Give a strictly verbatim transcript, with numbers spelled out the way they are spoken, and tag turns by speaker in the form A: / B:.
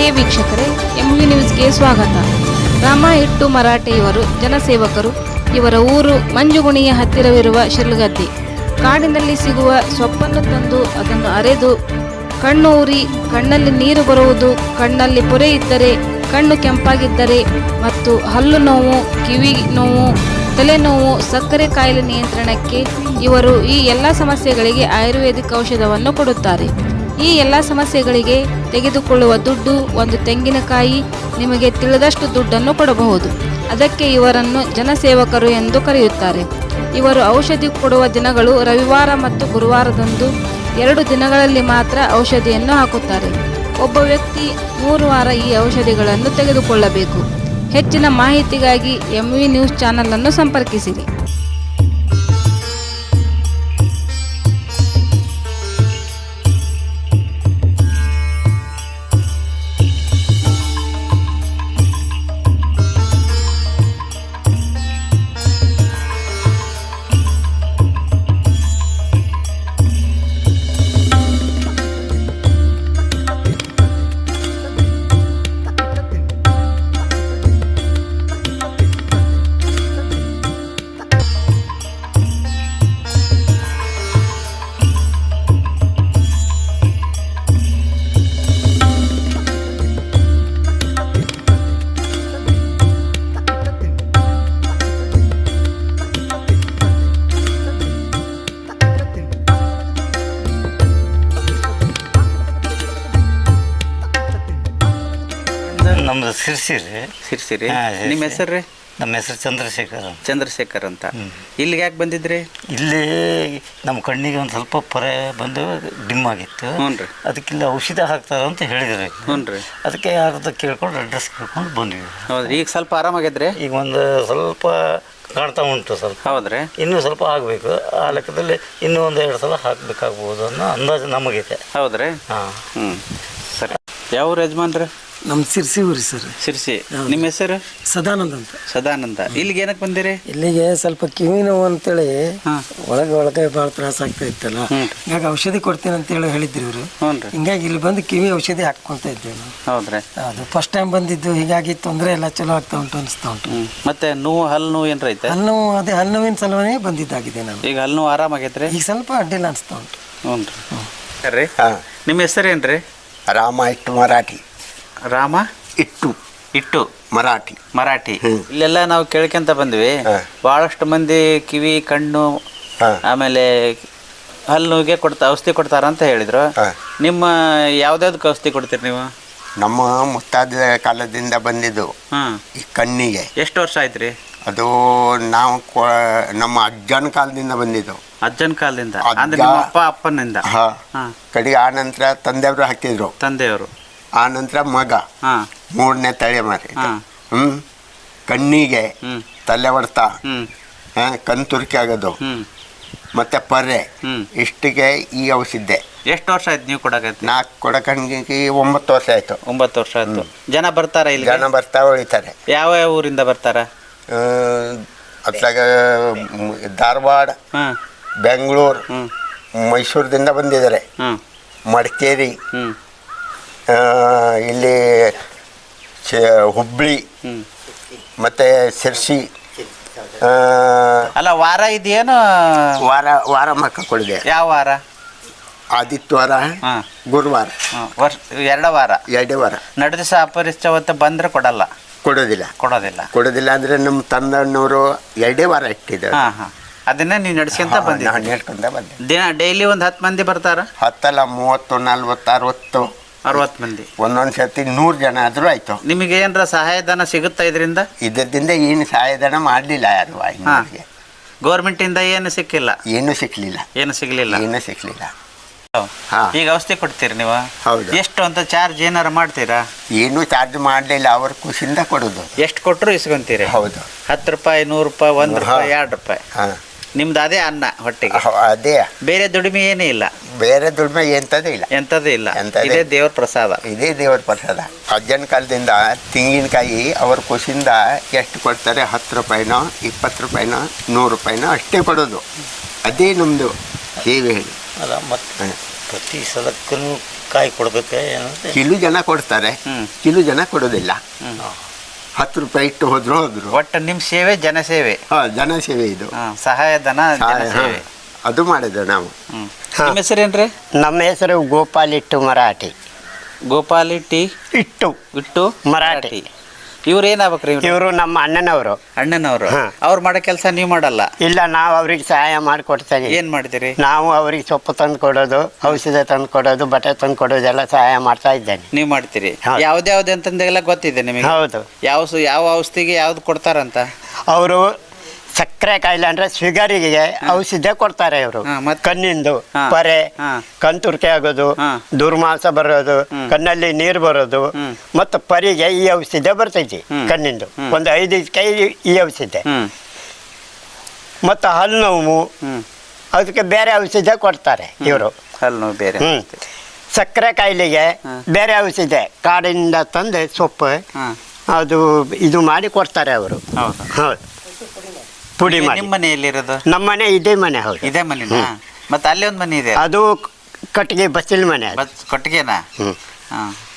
A: ಪ್ರಿಯ ವೀಕ್ಷಕರೇ, M V ನ್ಯೂಸ್ಗೆ ಸ್ವಾಗತ. ರಾಮ ಹಿಟ್ಟು ಮರಾಠೆ ಇವರು ಜನಸೇವಕರು. ಇವರ ಊರು ಮಂಜುಗುಣಿಯ ಹತ್ತಿರವಿರುವ ಶಿರ್ಲಗದ್ದೆ. ಕಾಡಿನಲ್ಲಿ ಸಿಗುವ ಸೊಪ್ಪನ್ನು ತಂದು ಅದನ್ನು ಅರೆದು ಕಣ್ಣು ಉರಿ, ಕಣ್ಣಲ್ಲಿ ನೀರು ಬರುವುದು, ಕಣ್ಣಲ್ಲಿ ಪೊರೆ ಇದ್ದರೆ, ಕಣ್ಣು ಕೆಂಪಾಗಿದ್ದರೆ ಮತ್ತು ಹಲ್ಲು ನೋವು, ಕಿವಿ ನೋವು, ತಲೆನೋವು, ಸಕ್ಕರೆ ಕಾಯಿಲೆ ನಿಯಂತ್ರಣಕ್ಕೆ ಇವರು ಈ ಎಲ್ಲ ಸಮಸ್ಯೆಗಳಿಗೆ ಆಯುರ್ವೇದಿಕ್ ಔಷಧವನ್ನು ಕೊಡುತ್ತಾರೆ. ಈ ಎಲ್ಲ ಸಮಸ್ಯೆಗಳಿಗೆ ತೆಗೆದುಕೊಳ್ಳುವ ದುಡ್ಡು ಒಂದು ತೆಂಗಿನಕಾಯಿ, ನಿಮಗೆ ತಿಳಿದಷ್ಟು ದುಡ್ಡನ್ನು ಕೊಡಬಹುದು. ಅದಕ್ಕೆ ಇವರನ್ನು ಜನಸೇವಕರು ಎಂದು ಕರೆಯುತ್ತಾರೆ. ಇವರು ಔಷಧಿ ಕೊಡುವ ದಿನಗಳು ರವಿವಾರ ಮತ್ತು ಗುರುವಾರದಂದು. ಎರಡು ದಿನಗಳಲ್ಲಿ ಮಾತ್ರ ಔಷಧಿಯನ್ನು ಹಾಕುತ್ತಾರೆ. ಒಬ್ಬ ವ್ಯಕ್ತಿ ಮೂರು ವಾರ ಈ ಔಷಧಿಗಳನ್ನು ತೆಗೆದುಕೊಳ್ಳಬೇಕು. ಹೆಚ್ಚಿನ ಮಾಹಿತಿಗಾಗಿ ಎಂ ವಿ ನ್ಯೂಸ್ ಚಾನಲನ್ನು ಸಂಪರ್ಕಿಸಿರಿ.
B: ನಮ್ದು ಸಿರ್ಸಿರಿ
C: ಸಿರ್ಸಿರಿ. ನಿಮ್ಮ ಹೆಸರು ರೀ?
B: ನಮ್ಮ ಹೆಸರು ಚಂದ್ರಶೇಖರ್
C: ಚಂದ್ರಶೇಖರ್ ಅಂತ. ಇಲ್ಲಿಗೆ ಯಾಕೆ ಬಂದಿದ್ರಿ?
B: ಇಲ್ಲಿ ನಮ್ಮ ಕಣ್ಣಿಗೆ ಒಂದು ಸ್ವಲ್ಪ ಪೊರೆ ಬಂದು ಡಿಮ್ ಆಗಿತ್ತು.
C: ಹ್ಞೂ ರೀ.
B: ಅದಕ್ಕಿಲ್ಲ ಔಷಧ ಹಾಕ್ತಾರೆ ಅಂತ ಹೇಳಿದ್ರು.
C: ಹ್ಞೂ ರೀ.
B: ಅದಕ್ಕೆ ಯಾರ್ದು ಕೇಳ್ಕೊಂಡು ಅಡ್ರೆಸ್ ಕೇಳ್ಕೊಂಡು ಬಂದ್ವಿ.
C: ಹೌದ್ರಿ. ಈಗ ಸ್ವಲ್ಪ ಆರಾಮಾಗಿದ್ರೆ?
B: ಈಗ ಒಂದು ಸ್ವಲ್ಪ ಕಾಣ್ತಾ ಉಂಟು ಸ್ವಲ್ಪ.
C: ಹೌದ್ರಿ.
B: ಇನ್ನೂ ಸ್ವಲ್ಪ ಆಗಬೇಕು. ಆ ಲೆಕ್ಕದಲ್ಲಿ ಇನ್ನೂ ಒಂದು ಎರಡು ಸಲ ಹಾಕಬೇಕಾಗ್ಬೋದು ಅನ್ನೋ ಅಂದಾಜು ನಮಗಿದೆ.
C: ಹೌದ್ರಿ.
B: ಹಾಂ.
C: ಹ್ಞೂ ಸರಿ. ಯಾವ ಯಜಮಾನ್ರಿ?
D: ನಮ್ಮ ಸಿರ್ಸಿ ಊರಿ ಸರ್.
C: ಸಿರ್ಸಿ. ನಿಮ್ಮ ಹೆಸರು?
D: ಸದಾನಂದ ಅಂತ.
C: ಸದಾನಂದ. ಇಲ್ಲಿಗೆ ಏನಕ್ಕೆ ಬಂದಿರಿ?
D: ಇಲ್ಲಿಗೆ ಸ್ವಲ್ಪ ಕಿವಿ ನೋವು ಅಂತೇಳಿ ಒಳಗೆ ಒಳಗೆ ಭಾಳ ತ್ರಾಸ ಆಗ್ತಾ ಇತ್ತಲ್ಲ, ಹಿಂಗಾಗಿ ಔಷಧಿ ಕೊಡ್ತೀನಿ ಅಂತೇಳಿ ಹೇಳಿದ್ರಿ ಇವರು. ಹಿಂಗಾಗಿ ಇಲ್ಲಿ ಬಂದು ಕಿವಿ ಔಷಧಿ ಹಾಕ್ಕೊಂತ ಇದ್ದೇವೆ ನಾವು.
C: ಹೌದ್ರಿ.
D: ಅದು ಫಸ್ಟ್ ಟೈಮ್ ಬಂದಿದ್ದು, ಹೀಗಾಗಿ ತೊಂದರೆ ಎಲ್ಲ ಚಲೋ ಆಗ್ತಾ ಉಂಟು ಅನಿಸ್ತಾ ಉಂಟು.
C: ಮತ್ತೆ ನೋವು, ಹಲ್ಲು ನೋವು ಏನ್ರ ಐತೆ?
D: ಹಲ್ಲು ನೋವು ಅದೇ ಹಲ್ಲು ನೋವಿನ ಸಲುವೇ ಬಂದಿದ್ದಾಗಿದೆ ನಾನು.
C: ಈಗ ಹಲ್ಲು ನೋವು ಆರಾಮಾಗೈತ್ರಿ?
D: ಈಗ ಸ್ವಲ್ಪ ಅಡ್ಡಿಲ್ಲ ಅನಿಸ್ತಾ ಉಂಟು.
C: ಹ್ಞೂ ರೀ. ನಿಮ್ಮ ಹೆಸರೇನ್ರಿ?
E: ರಾಮ ಇಟ್ಟು ಮರಾಠಿ.
C: ರಾಮ
E: ಇಟ್ಟು
C: ಇಟ್ಟು
E: ಮರಾಠಿ
C: ಮರಾಠಿ. ಇಲ್ಲೆಲ್ಲ ನಾವು ಕೇಳ್ಕೊಂತ ಬಂದ್ವಿ, ಬಹಳಷ್ಟು ಮಂದಿ ಕಿವಿ, ಕಣ್ಣು, ಆಮೇಲೆ ಹಲ್ಲುಗೆ ಕೊಡ್ತಾ ಔಷಧಿ ಕೊಡ್ತಾರ ಅಂತ ಹೇಳಿದ್ರು. ನಿಮ್ಮ ಯಾವ್ದಾವ್ದಕ್ಕೆ ಔಷಧಿ ಕೊಡ್ತೀರಿ ನೀವು?
E: ನಮ್ಮ ಮುತ್ತಾದ ಕಾಲದಿಂದ ಬಂದಿದ್ದು ಈ ಕಣ್ಣಿಗೆ.
C: ಎಷ್ಟು ವರ್ಷ ಆಯ್ತ್ರಿ
E: ಅದು? ನಾವು ನಮ್ಮ ಅಜ್ಜನ ಕಾಲದಿಂದ ಬಂದಿದ್ದು.
C: ಅಜ್ಜನ ಕಾಲದಿಂದ ಅಂದ್ರೆ ನಿಮ್ಮ ಅಪ್ಪ ಅಪ್ಪನಿಂದ?
E: ಕಡೆಗೆ ಆ ನಂತರ ತಂದೆಯವರು ಹಾಕಿದ್ರು.
C: ತಂದೆಯವರು.
E: ಆ ನಂತರ ಮಗ, ಮೂರನೇ ತಲೆ ಮಾರಿ. ಹ್ಮ್ ಕಣ್ಣಿಗೆ ತಲೆ ಹೊಡ್ತ, ಕಣ್ ತುರ್ಕಿ ಆಗೋದು, ಮತ್ತೆ ಪರ್ರೆ, ಇಷ್ಟಿಗೆ ಈ ಔಷಧಿ.
C: ಎಷ್ಟು ವರ್ಷ ಆಯ್ತು ನೀವು ಕೊಡಕೈತಿ?
E: ನಾಲ್ಕು ಕೊಡಕಣ್ಣಿಗೆ ಒಂಬತ್ತು ವರ್ಷ ಆಯ್ತು.
C: ಒಂಬತ್ತು ವರ್ಷ ಆಯ್ತು. ಜನ ಬರ್ತಾರ ಇಲ್ಲಿ?
E: ಜನ ಬರ್ತಾ ಉಳಿತಾರೆ.
C: ಯಾವ ಯಾವ ಊರಿಂದ ಬರ್ತಾರ?
E: ಅತ್ಲಾಗ ಧಾರವಾಡ, ಬೆಂಗಳೂರು, ಮೈಸೂರದಿಂದ ಬಂದಿದ್ದಾರೆ. ಮಡಿಕೇರಿ, ಇಲ್ಲಿ ಹುಬ್ಬಳ್ಳಿ, ಮತ್ತೆ ಸಿರ್ಸಿ.
C: ಅಲ್ಲ, ವಾರ ಇದೆಯೇನು?
E: ವಾರ ವಾರ ಮಕ್ಕ ಕೊಡಿದೆ.
C: ಯಾವ ವಾರ?
E: ಆದಿತ್ಯವಾರ, ಗುರುವಾರ,
C: ವರ್ಷ ಎರಡೇ ವಾರ.
E: ಎರಡೇ ವಾರ.
C: ನಡು ದಿವಸ ಅಪರಿಚಿತವತ್ತು ಬಂದ್ರೆ ಕೊಡಲ್ಲ?
E: ಕೊಡೋದಿಲ್ಲ.
C: ಕೊಡೋದಿಲ್ಲ
E: ಕೊಡೋದಿಲ್ಲ ಅಂದ್ರೆ ನಮ್ಮ ತಂದಣ್ಣವರು ಎರಡೇ ವಾರ ಇಟ್ಟಿದ್ದಾರೆ.
C: ಹಾಂ ಹಾಂ. ಅದನ್ನ ನೀವು ನಡ್ಸ್ಕೊಂತ ಬಂದಿದ್ದೀರಿ?
E: ನಡ್ಕೊಂಡ ಬಂದೆ.
C: ದಿನ ಡೈಲಿ ಒಂದು ಹತ್ತು ಮಂದಿ ಬರ್ತಾರ?
E: ಹತ್ತಲ್ಲ, ಮೂವತ್ತು, ನಲ್ವತ್ತು, ಅರವತ್ತು,
C: ಅರವತ್ತು ಮಂದಿ.
E: ಒಂದೊಂದು ಸರ್ತಿ ನೂರು ಜನ ಆದರೂ ಆಯ್ತು.
C: ನಿಮಗೆ ಏನರ ಸಹಾಯಧನ ಸಿಗುತ್ತಾ ಇದರಿಂದ?
E: ಇದರಿಂದ ಏನು ಸಹಾಯಧನ ಮಾಡಲಿಲ್ಲ ಯಾರು.
C: ಗೌರ್ಮೆಂಟಿಂದ ಏನು ಸಿಕ್ಕಿಲ್ಲ?
E: ಏನು ಸಿಕ್ಲಿಲ್ಲ.
C: ಏನು ಸಿಗ್ಲಿಲ್ಲ?
E: ಏನು ಸಿಕ್ಲಿಲ್ಲ.
C: ಈಗ ಔಷಧಿ ಕೊಡ್ತೀರಿ ನೀವು?
E: ಹೌದು.
C: ಎಷ್ಟು ಅಂತ ಚಾರ್ಜ್ ಏನಾರ ಮಾಡ್ತೀರಾ?
E: ಏನು ಚಾರ್ಜ್ ಮಾಡಲಿಲ್ಲ, ಅವ್ರ ಖುಷಿಯಿಂದ ಕೊಡೋದು.
C: ಎಷ್ಟು ಕೊಟ್ಟರು ಇಸ್ಕೊಂತೀರಿ?
E: ಹೌದು.
C: ಹತ್ತು ರೂಪಾಯಿ, ನೂರು ರೂಪಾಯಿ, ಒಂದು ರೂಪಾಯಿ, ಎರಡು ರೂಪಾಯಿ. ನಿಮ್ದು ಅದೇ ಅನ್ನ ಹೊಟ್ಟೆಗೆ?
E: ಅದೇ.
C: ಬೇರೆ ದುಡಿಮೆ ಏನೇ ಇಲ್ಲ?
E: ಬೇರೆ ದುಡಿಮೆ ಎಂಥದ್ದು ಇಲ್ಲ.
C: ಎಂಥದ್ದು ಇಲ್ಲ. ಇದೇ ದೇವ್ರ ಪ್ರಸಾದ.
E: ಇದೇ ದೇವ್ರ ಪ್ರಸಾದ. ಅಜ್ಜನ ಕಾಲದಿಂದ ತೆಂಗಿನಕಾಯಿ ಅವ್ರ ಖುಷಿಯಿಂದ ಎಷ್ಟು ಕೊಡ್ತಾರೆ? ಹತ್ತು ರೂಪಾಯಿನೋ, ಇಪ್ಪತ್ತು ರೂಪಾಯಿನೋ, ನೂರು ರೂಪಾಯಿನೋ ಅಷ್ಟೇ ಕೊಡೋದು. ಅದೇ ನಮ್ಮದು ಸೇವೆ ಹೇಳಿ.
B: ಅಲ್ಲ ಮತ್ತೆ ಪ್ರತಿ ಸಲಕ್ಕೂ ಕಾಯಿ ಕೊಡ್ಬೇಕು ಏನಂದ್ರೆ
E: ಕಿಲು ಜನ ಕೊಡ್ತಾರೆ, ಕಿಲು ಜನ ಕೊಡೋದಿಲ್ಲ. ಹತ್ತು ರೂಪಾಯಿ ಇಟ್ಟು ಹೋದ್ರು ಹೋದ್ರು.
C: ಒಟ್ಟು ನಿಮ್ಮ ಸೇವೆ ಜನಸೇವೆ.
E: ಹಾಂ, ಜನ ಸೇವೆ ಇದು.
C: ಹಾಂ, ಸಹಾಯಧನ ಜನಸೇವೆ.
E: ಅದು ಮಾಡಿದ್ದು ನಾವು.
C: ನಿಮ್ಮ ಹೆಸರೇನ್ರಿ?
F: ನಮ್ಮ ಹೆಸರು ಗೋಪಾಲ್ ಇಟ್ಟು ಮರಾಠಿ.
C: ಗೋಪಾಲಿ ಟಿ
F: ಇಟ್ಟು
C: ಇಟ್ಟು
F: ಮರಾಠಿ.
C: ಇವ್ರು ಏನಾಗ್ಬೇಕ್ರಿ?
F: ಇವರು ನಮ್ಮ ಅಣ್ಣನವರು.
C: ಅಣ್ಣನವರು.
F: ಹಾ.
C: ಅವ್ರು ಮಾಡೋ ಕೆಲಸ ನೀವು ಮಾಡಲ್ಲ?
F: ಇಲ್ಲ, ನಾವು ಅವ್ರಿಗೆ ಸಹಾಯ ಮಾಡಿಕೊಡ್ತೇವೆ.
C: ಏನ್ ಮಾಡ್ತೀರಿ?
F: ನಾವು ಅವ್ರಿಗೆ ಸೊಪ್ಪು ತಂದು ಕೊಡೋದು, ಔಷಧ ತಂದು ಕೊಡೋದು, ಬಟ್ಟೆ ತಂದು ಕೊಡೋದೆಲ್ಲ ಸಹಾಯ ಮಾಡ್ತಾ ಇದ್ದೇನೆ.
C: ನೀವು ಮಾಡ್ತೀರಿ?
F: ಹೌದು.
C: ಯಾವ್ದ್ಯಾವ್ದು ಅಂತಂದೆಲ್ಲ ಗೊತ್ತಿದೆ ನಿಮಗೆ?
F: ಹೌದು.
C: ಯಾವ ಸು- ಯಾವ ಔಷಧಿಗೆ ಯಾವ್ದು ಕೊಡ್ತಾರಂತ?
F: ಅವರು ಸಕ್ಕರೆ ಕಾಯಿಲೆ ಅಂದ್ರೆ ಶುಗರಿಗೆ ಔಷಧ ಕೊಡ್ತಾರೆ ಇವರು.
C: ಹಾ, ಮತ್ತೆ?
F: ಕಣ್ಣಿಂದು
C: ಹಾ.
F: ಪರೆ,
C: ಹಾ.
F: ಕಣ್ತುರ್ಕೆ ಆಗೋದು,
C: ಹಾ.
F: ದುರ್ಮಾಸ ಬರೋದು, ಕಣ್ಣಲ್ಲಿ ನೀರು ಬರೋದು, ಮತ್ತು ಪರಿಗೆ ಈ ಔಷಧ ಬರ್ತೈತಿ ಕಣ್ಣಿಂದು. ಒಂದು ಐದು ಕೈ ಈ ಔಷಧ.
C: ಹ್ಮ್
F: ಮತ್ತು ಹಲ್ಲು ನೋವು, ಅದಕ್ಕೆ ಬೇರೆ ಔಷಧ ಕೊಡ್ತಾರೆ ಇವರು.
C: ಹಲ್ಲು ನೋವು ಬೇರೆ.
F: ಹ್ಮ್ ಸಕ್ಕರೆ ಕಾಯಿಲೆಗೆ ಬೇರೆ ಔಷಧ ಕಾಡಿಂದ ತಂದು ಸೊಪ್ಪು
C: ಹಾ.
F: ಅದು ಇದು ಮಾಡಿ ಕೊಡ್ತಾರೆ ಅವರು.
C: ಹೌದು.
F: ಹೌದು, ಪುಡಿ ಮಾಡಿ.
C: ನಿಮ್ಮ ಮನೆಯಲ್ಲಿರೋದು?
F: ನಮ್ಮ ಮನೆ ಇದೇ ಮನೆ. ಹೌದು,
C: ಇದೇ ಮನೆನಾ? ಮತ್ತೆ ಅಲ್ಲಿ ಒಂದು ಮನೆ ಇದೆ,
F: ಅದು ಕಟ್ಟಿಗೆ ಬಸ್ಸಿನ ಮನೆ ಅದು.
C: ಬಸ್ ಕೊಟ್ಟಿಗೆನಾ?
F: ಹ್ಮ್.
C: ಹಾಂ.